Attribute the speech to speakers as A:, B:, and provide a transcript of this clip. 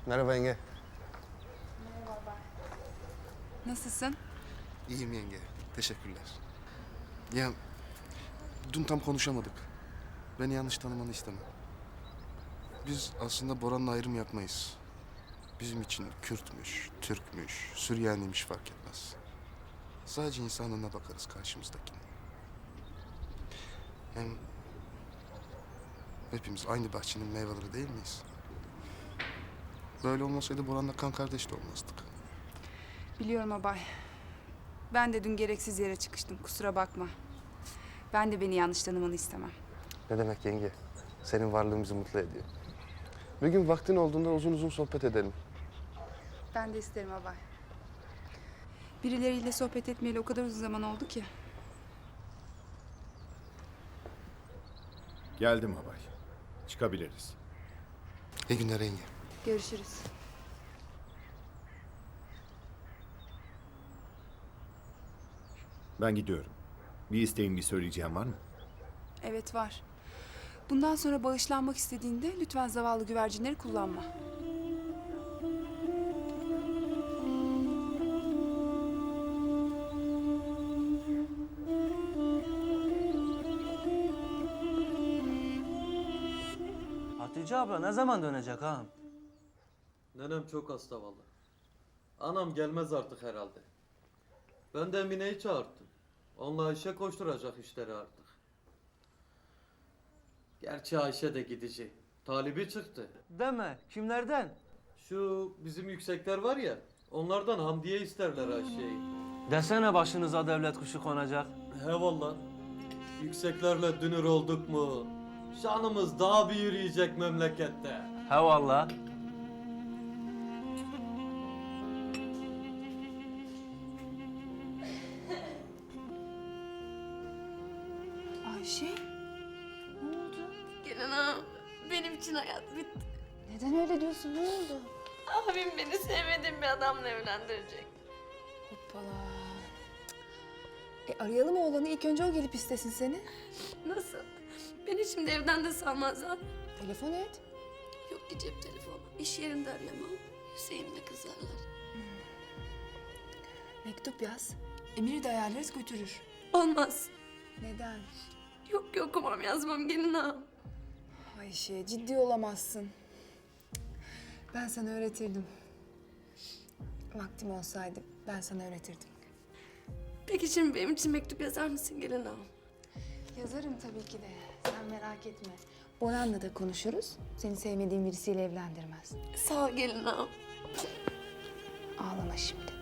A: Merhaba yenge.
B: Nasılsın?
A: İyiyim yenge. Teşekkürler. Ya dün tam konuşamadık. Beni yanlış tanımanı istemem. Biz aslında Boran'la ayrım yapmayız. Bizim için Kürtmüş, Türkmüş, Süryaniymiş fark etmez. Sadece insanlığına bakarız karşımızdakine. Hem hepimiz aynı bahçenin meyveleri değil miyiz? Böyle olmasaydı Boran'la kan kardeş de olmazdık.
B: Biliyorum abay. Ben de dün gereksiz yere çıkıştım. Kusura bakma. Ben de beni yanlış tanımanı istemem.
A: Ne demek yenge? Senin varlığın bizi mutlu ediyor. Bir gün vaktin olduğunda uzun uzun sohbet edelim.
B: Ben de isterim abay. Birileriyle sohbet etmeyeli o kadar uzun zaman oldu ki.
C: Geldim abay. Çıkabiliriz.
A: İyi günler yenge.
B: Görüşürüz.
C: Ben gidiyorum. Bir isteğin, bir söyleyeceğim var mı?
B: Evet var. Bundan sonra bağışlanmak istediğinde lütfen zavallı güvercinleri kullanma.
D: Hatice abla ne zaman dönecek ağam?
E: Nenem çok hasta vallahi. Anam gelmez artık herhalde. Ben de Emine'yi çağırttım. Onunla Ayşe koşturacak işleri artık. Gerçi Ayşe de gidecek. Talibi çıktı.
D: Deme, kimlerden?
E: Şu bizim yüksekler var ya, onlardan Hamdiye isterler Ayşe'yi.
D: Desene başınıza devlet kuşu konacak.
E: He valla. Yükseklerle dünür olduk mu? Şanımız daha bir yürüyecek memlekette.
D: He valla.
B: Ayşe? Ne oldu?
F: Gelin ağam, benim için hayat bitti.
B: Neden öyle diyorsun? Ne oldu?
F: Abim beni sevmediğim bir adamla evlendirecek.
B: Hoppala. Arayalım oğlanı. İlk önce o gelip istesin seni.
F: Nasıl? Beni şimdi evden de salmazlar.
B: Telefon et.
F: Yok ki cep telefonu. İş yerinde arayamam. Hüseyin'le kızarlar.
B: Mektup yaz. Emir'i de ayarlarız götürür.
F: Olmaz.
B: Neden?
F: Yok ki okumam yazmam gelin ağam.
B: Ayşe ciddi olamazsın. Ben sana öğretirdim. Vaktim olsaydı ben sana öğretirdim.
F: Peki şimdi benim için mektup yazar mısın gelin ağam?
B: Yazarım tabii ki de. Sen merak etme. Boran'la da konuşuruz. Seni sevmediğin birisiyle evlendirmez.
F: Sağ ol gelin ağam.
B: Ağlama şimdi.